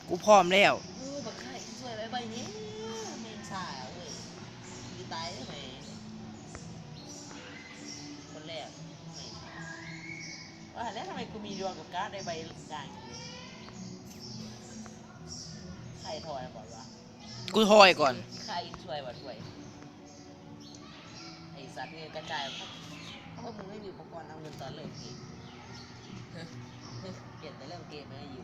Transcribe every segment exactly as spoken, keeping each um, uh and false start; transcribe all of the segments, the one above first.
กูพร้อมแล้วเออบักไข่สวยใบใบนี้เมงสายเว้ยดีตายได้ไหมคนแรกว่าแล้วทำไมกูมีดวงกับการ์ดได้ใบด่างใครถอยก่อนวะกูทอยก่อนใครช่วยบ่ช่วยไอสัตว์เนี่ยกระจายเพราะมึงไม่มีอุปกรณ์เอาเงินตอนเริ่มเกมเปลี่ยนแต่เริ่มเกมไม่ได้อยู่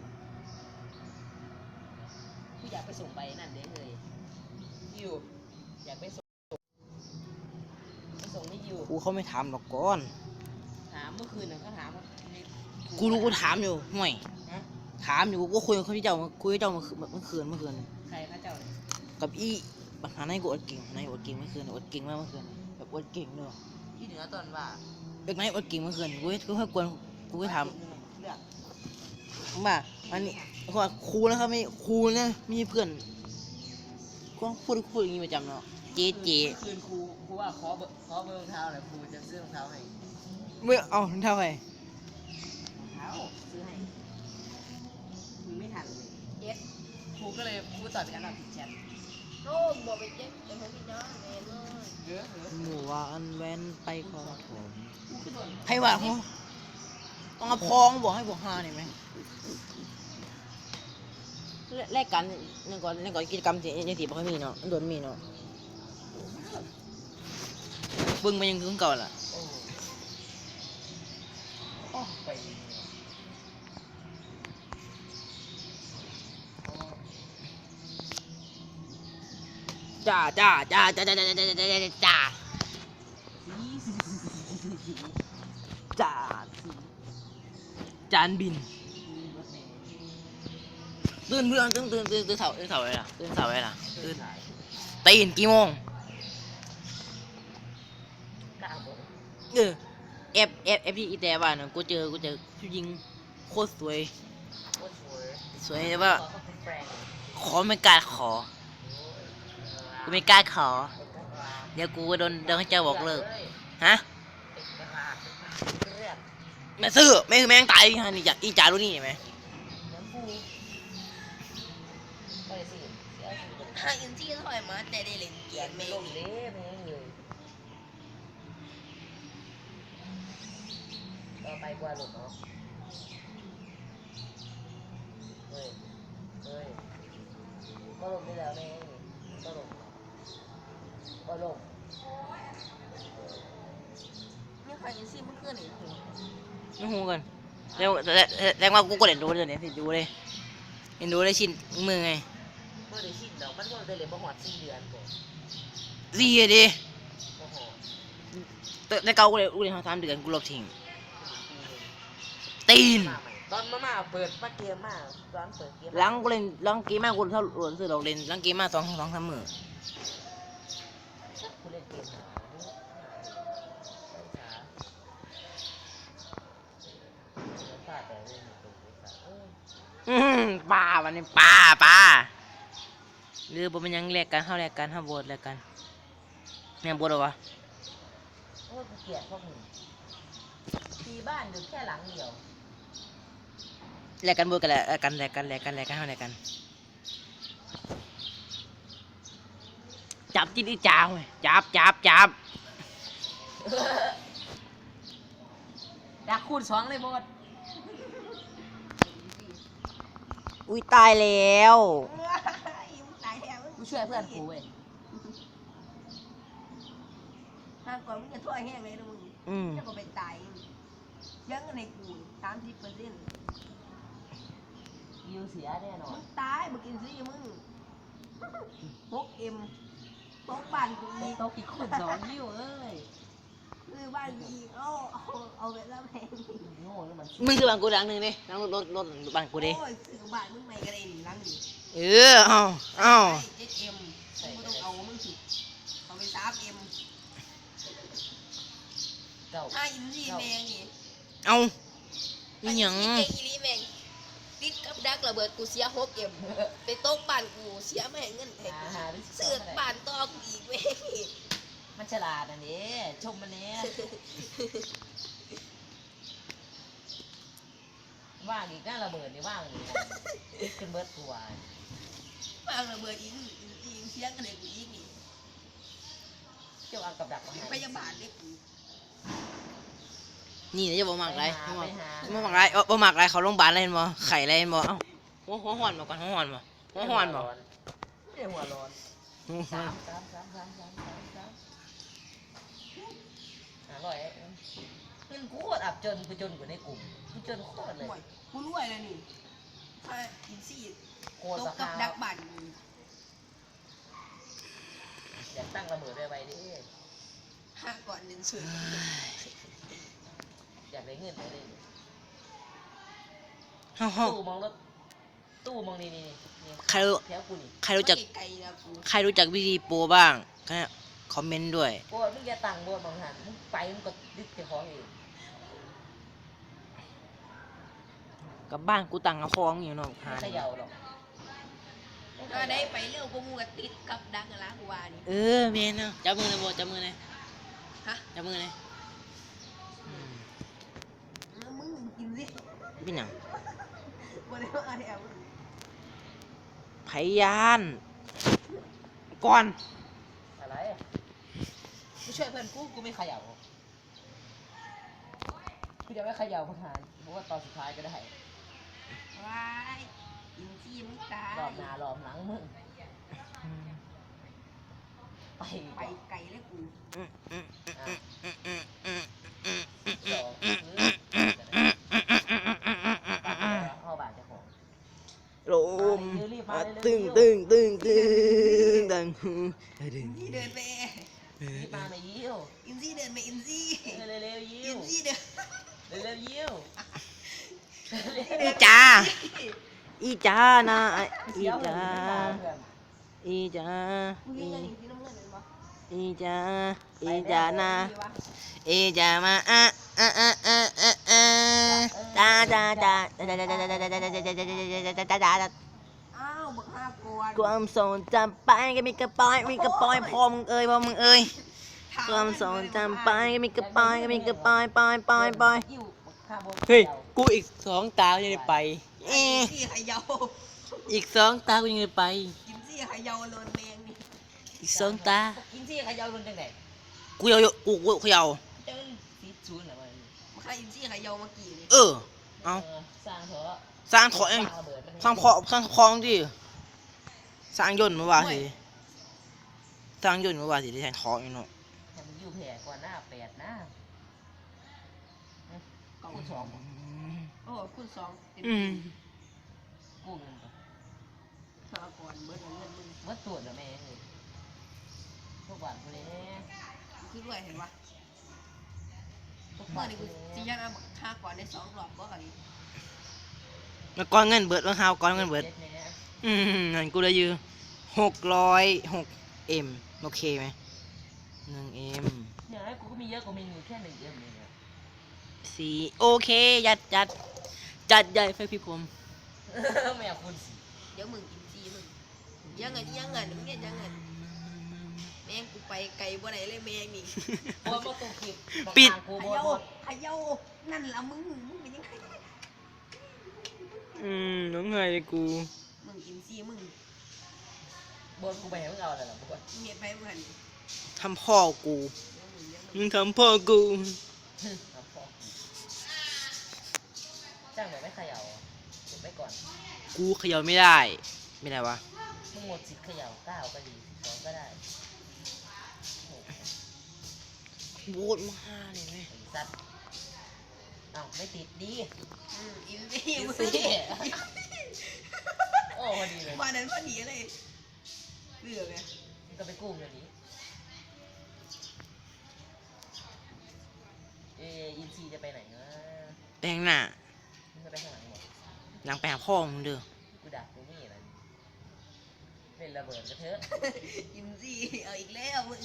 กูอยากไปส่งใบนั่นเด้เลยอยู่อยากไปส่งไปส่งไม่อยู่กูเขาไม่ถามหรอกก่อนถามเมื่อคืนน่ะเขาถามว่ากูรู้กูถามอยู่ห่วยถามอยู่กูก็คุยกับเขาที่เจ้าคุยกับเจ้าเมื่อเมื่อคืนเมื่อคืนใครพระเจ้าเลยกับอีปัญหาในกูอดเก่งในอดเก่งเมื่อคืนอดเก่งมากเมื่อคืนแบบอดเก่งเนอะที่เหนือตอนว่าเด็กไหนอดเก่งเมื่อคืนกูกูให้กวนกูก็ถามว่าอันนี้ว่าครูนะครับไม่ครูนะมีเพื่อนก็พูดพูดอย่างนี้ประจำเนาะเจ๊เจ๊คืนครูครูว่าขอเบอร์ขอเบอร์รองเท้าหน่อยครูจะซื้อรองเท้าให้เมื่อเอารองเท้าไปรองเท้าซื้อให้มึงไม่ทันเลยเจ็ดครูก็เลยครูตอบเป็นการตอบผิดแชทโอ้บอกไปเจ็ดเดี๋ยวผมพี่น้องแม่เลยเยอะหมู่ว่าอันแวนไปของผมให้ว่าเขาต้องเอาพองบอกให้บอกฮาหน่อยไหมแลกกันนี่ก่อนนี่ก่อนกิจกรรมที่ยังถีบเขามีเนาะโดนมีเนาะบึ้งมันยังคือเก่าล่ะจ้าจ้าจ้าจ้าจ้าจ้าจ้าจ้าจ้าจ้าจ้าจานบินตื่นเพื่อนตื่นตื่นตื่นตื่นเสาตื่นเสาอะไรล่ะตื่นเสาอะไรล่ะตื่นตีนกี่โมงเออเอฟเอฟเอฟที่อีแต่บ้านกูเจอกูเจอผู้หญิงโคตรสวยสวยแต่ว่าขอไม่กล้าขอกูไม่กล้าขอเดี๋ยวกูโดนโดนให้เจ้าบอกเลิกฮะแม่ซื้อแม่คือแม่งตายฮะนี่จากอีจ่ารู้นี่เห็นไหมถ้าอินที่ถอยมาแต่ได้เล่นเกมไม่ลงเล่แม่งเลยต่อไปกว่าหลุดเนาะเฮ้ยเฮ้ยก็ลงได้แล้วแม่งก็ลงก็ลงนี่ใครอินซี่เมื่อคืนนี่ไม่หูกันแล้วแรงว่ากูก็เล่นดูเลยเนี่ยสิดูเลยเห็นดูเลยชินมือไงเมื่อได้ชินดอกมันก็ได้เลยบ่หอดสี่เดือนก่อนสี่ดิแต่เก่ากูเลยกูเลยทำสามเดือนกูลบทิ้งตีนตอนมามาเปิดมาเกมมาตอนเปิดเกมล้างกูเล่นล้างเกมมากกูเท่าหลวนซื้อดอกเล่นล้างเกมมากสองสองสามหมื่นกูเล่นเกมหาอืมป้าวันนี้ป้าป้าหรือบ่มันยังแลกกันเท่าแลกกันเท่าโบดแลกกันแม่งโบดหรอวะโอ้กูเกลียดพวกมึงที่บ้านอยู่แค่หลังเดียวแลกกันโบดกันแลกกันแลกกันแลกกันแลกกันเท่าแลกกันจับจิ้นอีจ้าเว้ยจับจับจับดักคูณสองเลยโบดอุ้ยตายแล้วกูช่วยเพื่อนกูเว้ยห้ามก่อนมึงจะทั่วแห้งเลยนะมึงจะก็เป็นตายยังในกูสามสิบเปอร์เซ็นต์ยูเสียแน่นอนมึงตายมึงกินซีมึงพกเอ็มตกบ้านกูอีกตกอีกคนสองยิ้วเอ้ยคือบ้านอีกเอาเอาเอาไปแล้วแพงมึงคือบ้านกูดังหนึ่งดิดังรถรถรถบ้านกูดิโอ้ยซื้อบ้านมึงไม่กระเด็นหลังนี่เออเอาเอาเอ็มมึงต้องเอามึงสิเอาไปสามเอ็มถ้าอินซีแมงนี่เอาอีหยังเก่งอีลีแมงติดกับดักระเบิดกูเสียหกเอ็มไปตกบ้านกูเสียไม่เงินแทนเสือกบ้านต่อกูอีกแม่มันฉลาดอันนี้ชมมันเนี้ย ว่าว่างอีกน่าระเบิดนี่ว่างอีกขึ้นเบิร์ดตัวว่างระเบิดอีกอีกเสียงกันเลยกูอีกนี่เจ้าเอากับดักมาให้พยาบาลเล็กกูนี่นะจะบ่มักไรไปบ่หามักบ่มักไรเอ้าบ่มักไรเขาโรงพยาบาลอะไรเห็นบ่ไข่อะไรเห็นบ่เอ้าหัวหัวหอนบ่ก่อนหัวหอนบ่หัวหอนบ่ไม่ได้หัวร้อนหัวหอสาน มสามสามสามสามสามสามอร่อยเงินกูโคตรอับจนกูจนกว่าในกลุ่มกูจนโคตรเลยห่วยกูรวยแล้วนี่ถ้าอินซี่โคตรตรากกับคาดักบันอยากตั้งระเบิดได้ไปดิห้าก่อนหนึ่งสุดอยากได้เงินได้เลยเฮ้าเฮ้าตู้มองรถตู้มองนี่นี่นี่ใครรู้แถวกูนี่ใครรู้จักไกลๆนะกูใครรู้จักวิธีโปรบ้างก็คอมเมนต์ด้วยโบมึงอย่าตังโบมองหันมึงไปมึงก็ดึกเจ้าของเองกับบ้านกูตังกับฟองอยู่เนาะไม่หาเขย่าหรอกถ้าได้ไปเร็วกูมูกับติดกับดักกันละกูว่านี่เออเมนเนาะจับมือเลยโบจับมือเลยฮะจับมือเลยอืมแล้วมึงกินสิเป็นหยังกูได้ว่าอะไรอ่ะมึงพยานก่อนอะไรไม่ช่วยเพื่อนกูกูไม่เขย่ากูจะไม่เขย่าประธานเพราะว่าตอนสุดท้ายก็ได้วายอินซี่มึงตายรอบหน้ารอบหลังมึงไปไปไกลเลยกูอืมอืมอ่ะอืมอืมอืมอืมสองเข้าบ้านเจ้าของลมอ่ะตึงตึงตึงตึงตึงตึงอินซี่เดินไปรีบมาไม่ยิ้วอินซี่เดินไปอินซี่เร็วเร็วๆยิ้อิวนซี่เดินเร็วเร็วๆยิ้วอีจ้าอีจ้านะอีจ้าอีจ้ามึงอียังอินซี่น้ำเงินเลยปะอีจ้าอีจ้านะอีจ้ามาอ่ะอ่ะอ่ะอ่ะอ่ะอ่ะตาตาตาตาตาตาตาตาตาตาตาตาตาตาอ้าวบักห้าก่อนความทรงจำไปก็มีกระปอยมีกระปอยพอมึงเอ้ยพอมึงเอ้ยความทรงจำไปก็มีกระปอยก็มีกระปอยปอยปอยปอยยิ้วข้าบนเฮ้ยกูอีกสองตาจะได้ไปเออินซี่ขยาวอีกสองตากูยังได้ไปอินซี่ขยาวโลนแมงนี่อีกสองตากินซี่ขยาวรุนจังไหนกูเอากูกูเขย่าเจ้าซีดซูนเหรอมันมาใครอินซี่ขยาวมากี่นี่เออเอาสร้างเถอะสร้างถอยสร้างระเบิดมันสร้างคอสร้างคลองดิสร้างยนต์มาว่าสิสร้างยนต์มาว่าสิได้แทนทองอยู่เนาะให้มันอยู่แผ่ก่อนหน้าแปดนะก็คุณสองโอ้คุณสองเต็มอืมกู้เงินก่อนห้าก่อนเบิร์ดเงินมึงเมื่อตรวจแล้วแม่เอ้ยพวกบาทพวกนี้คือรวยเห็นปะพวกเมื่บาอทนี้พกูวกนี้จียังเอาห้าก่อนได้สองรอบบ่กันแล้วก้อนเงินเบิดว่าฮาวก้อนเงินเบิดจ็เนี่ยอืมเงินกูเลยยืมหกร้อยหกเอ็มโอเคไหมหนึ่งเอ็มอย่างไรกูก็มีเยอะกว่ามีอยู่แค่หนึ่งเอ็มเองอะสี่โอเคจัดจัดจัดใหญ่ไฟพี่ผมไม่อยากคุณสิเดี๋ยวมึงอินซี่มึงยังเงินยังเงินมึงเนี่ยยังเงินแม่งกูไปไกลบ่ไหนเลยแม่งนี่โอนมาตัวคลิปบอกปิดทางกูขโบนยาโบนขยานั่นละมึงมึงเป็นยังไงอืมน้องไงกูมึงอินซี่มึงโบนกูไปให้มึงเอาอะไรล่ะโบนมึงเห็นไปมึงหันทำพ่อกูเดี๋ยวมึงยังมึงทำพ่อกูเอาพอจ้างแบบไม่เขย่าอ่ะเก็บไว้ก่อนกูเขย่าไม่ได้ไม่ได้วะมึงหมดสิทธิ์เขย่าเก้าก็ดีสิบสองก็ได้โอ้โหโบดมาเลยไหมไอ้สัตว์เอ้าไม่ติดดีอืมอินซี่อินมึงซี่โอ้พอดีเลยวันนั้นพอดีเลยเหลือไงมึงก็ไปกู้เงินนี้เอออินซีจะไปไหนนะแปลงหน้ามึงจะไปข้างหลังหมดหลังไปหาพ่อมึงเด้อกูดักกูนี่อะไรเล่นระเบิดกระเทอะอินซี่เอาอีกแล้วมึง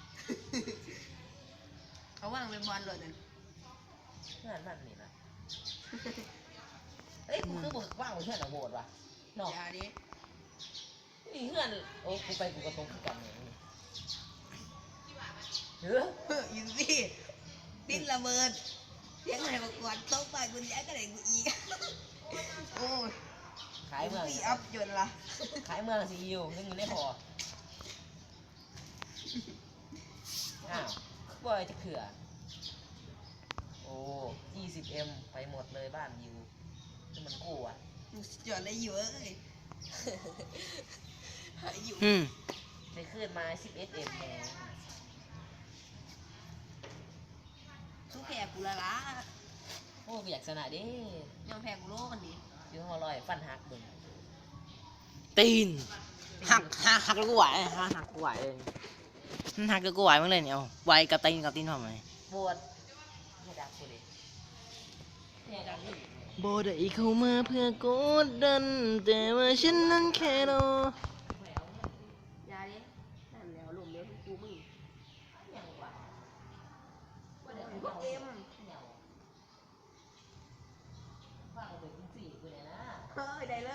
เขาว่างเป็นบอลเลยนั่นงานมันนี่นะเฮ้ยกูคือบอกว่างกูเพื่อนอะโหดว่ะเนาะอย่าดินี่เพื่อนโอ้กูไปกูกระตรงขึ้นกันเนี่ยเอออินซี่ดิ้นระเบิดยังไงมาก่อนโต๊ะบ้านกูย้ายก็ได้กูอีกโอ้ยขายเมืองพี่อัพยนต์ละขายเมืองซีอิ๊วยังอยู่ในพออ้าวบ่อยจะเขื่อโอ้ยี่สิบเอ็มไปหมดเลยบ้านอยู่ที่มันกู้อ่ะมึงสุดยอดเลยอยู่เอ้ยหายอยู่อืมไปขึ้นมาสิบเอ็ดเอ็มแพงสู้แพ้กูละละโอ้อยากชนะดิยอมแพ้กูโลกันดิอยู่ห้องลอยฟันหักเบิ่งตีนหักหักหักแล้วกูไหวหักหักกูไหวเลยมันหักแล้วกูไหวมั้งเลยเนี่ยเอาไหวกับตีนกับตีนทำไมปวดไม่ดักกูดิเนี่ยดักดิบอได้เข้ามาเพื่อกดดันแต่ว่าฉันนั้นแค่รอยาดินั่นแล้วลมเลี้ยวทุกกูมึงยังวะว่าเดี๋ยวพวกเอ็มฟังถึงสี่กูเนี่ยนะเฮ้ยได้เลย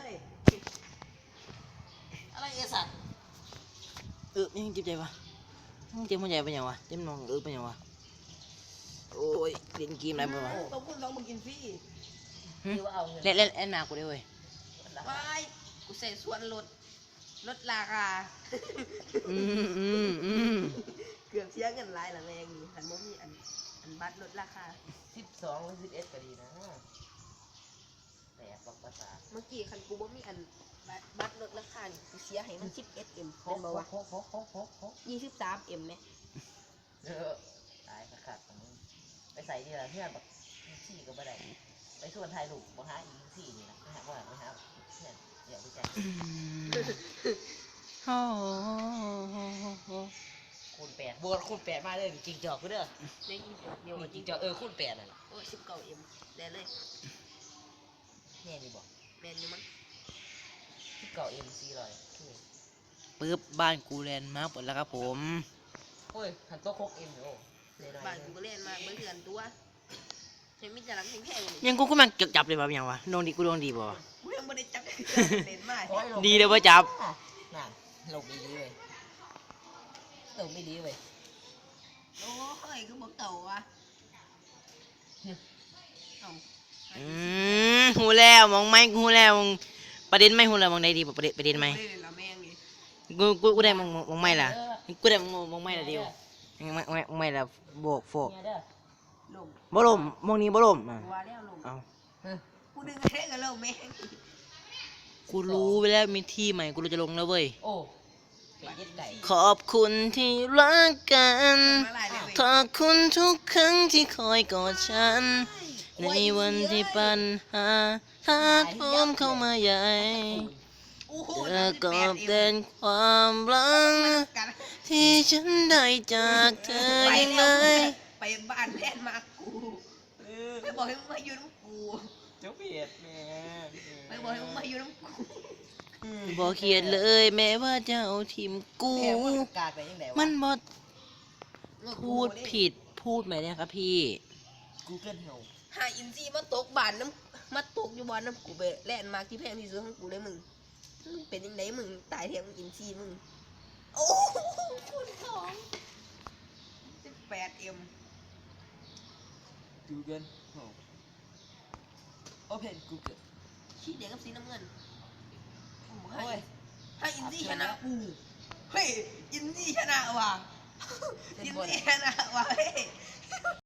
อะไรเอสัตว์เออยังเจ็บใจปะยังเจ็บหัวใจเป็นยังวะเจ็บนองเออเป็นยังวะโอ้ยเล่นเกมอะไรบ้างวะต้องพูดต้องมึงกินฟรีหึคือว่าเอาเงินเล่นเล่นเล่นหนากูได้เว้ยไปกูใส่ส่วนลดลดราคาอืมอืมอืมเกือบเสียเงินหลายละแม่งนี่หันบ่มีอันอันบัตรลดราคาสิบสองหรือสิบเอ็ดก็ดีนะแปลกบอกภาษาเมื่อกี้คันกูบ่มีอันบัตรบัตรลดราคานี่กูเสียให้มัน สิบเอ็ดเอ็มโฮเป็นบ่วะโฮโฮโฮโฮโฮยี่สิบสามเอ็มไหมเออตายขาดของมึงไปใส่ที่ละเพื่อนแบบสี่ก็ไม่ได้ไปส่วนไทยลูกบ่หาอีสี่นี่นะไม่หาว่าไม่หาเพื่อนเดี๋ยวไปแจ้งโอ้โหคูณแปดบวกคูณแปดมาเลยจริงจอกกูเด้อได้ยี่สิบเดียวนี่จจริริงงจอกเออคูณแปดน่ะโอ้สิบเก้าเอ็มได้เลยแน่นี่บอกแมนอยู่มั้งที่เก่าเอ็มซีร้อยปึ๊บบ้านกูแลนด์มาร์กหมดแล้วครับผมโอ้ยหันโต๊ะโคกเอ็มอยู่โอ้เลยหน่อยบ้านกูก็เล่นมาเบิ่งเถื่อนตัวเห็นมีแต่หลังแพงๆนี่ยังกูก็มันเก็บจับเลยแบบยังวะดวงดีกูดวงดีป่ะวะกูยังบ่ได้จับเล่นมาดีเลยว่าจับน่ะลงไม่ดีเว้ยลงไม่ดีเว้ยโอ้ยคือบ่เก่าว่ะเอ้าอืมหูแล้วมองไม่หูแล้วมองประเด็นไม่หูแล้วมองได้ดีป่ะประเด็นประเด็นไหมเล่นละแม่งนี่กูกูกูได้มองมองไม่ล่ะกูได้มองมองไม่ละเดียวมองไม่มองไม่ละโบกโฟกเนี่ยเด้อลงบ่ลมมองนี้บ่ลมอ่ะกูว่าแล้วลงเอาเฮ้ยกูดึงเท่กันแล้วแม่งกูรู้ไปแล้วมีที่ใหม่กูรู้จะลงแล้วเว้ยโอ้เป็ดเย็ดไก่ขอบคุณที่รักกันมาหลายเลยเว้ยขอบคุณทุกครั้งที่คอยกอดฉัน ในวันที่ปัญหาถาโถมเข้ามาใหญ่โอ้โหเธอก็เป็นความรักกันที่ฉันได้จากเธอยังไงไปบ้านแลนด์มาร์คกูไปบอกให้มึงมาอยู่น้ำกูเจ้าเป็ดแม่ไปบอกให้มึงมาอยู่น้ำกูบอกเขียนเลยแม้ว่าจะเอาทีมกูแม่มันกาดไปยังไงวะมันบอพูดผิดพูดไหมเนี่ยครับพี่กูเกิลเฮาหาอินซีมาตกบ้านน้ำมาตกอยู่บ้านน้ำกูไปแลนด์มาร์คที่แพงที่สุดของกูเลยมึงมึงเป็นยังไงมึงตายแทนมึงอินซีมึงโอ้โหคูณสองสิบแปดเอ็มกูเกิลเฮาโอเพนกูเกิลชี้เด็กกับสีน้ำเงินโอ้โหโอ้ยให้อินซีชนะกูเฮ้ยอินซีชนะว่ะอินซีชนะว่ะเฮ้ย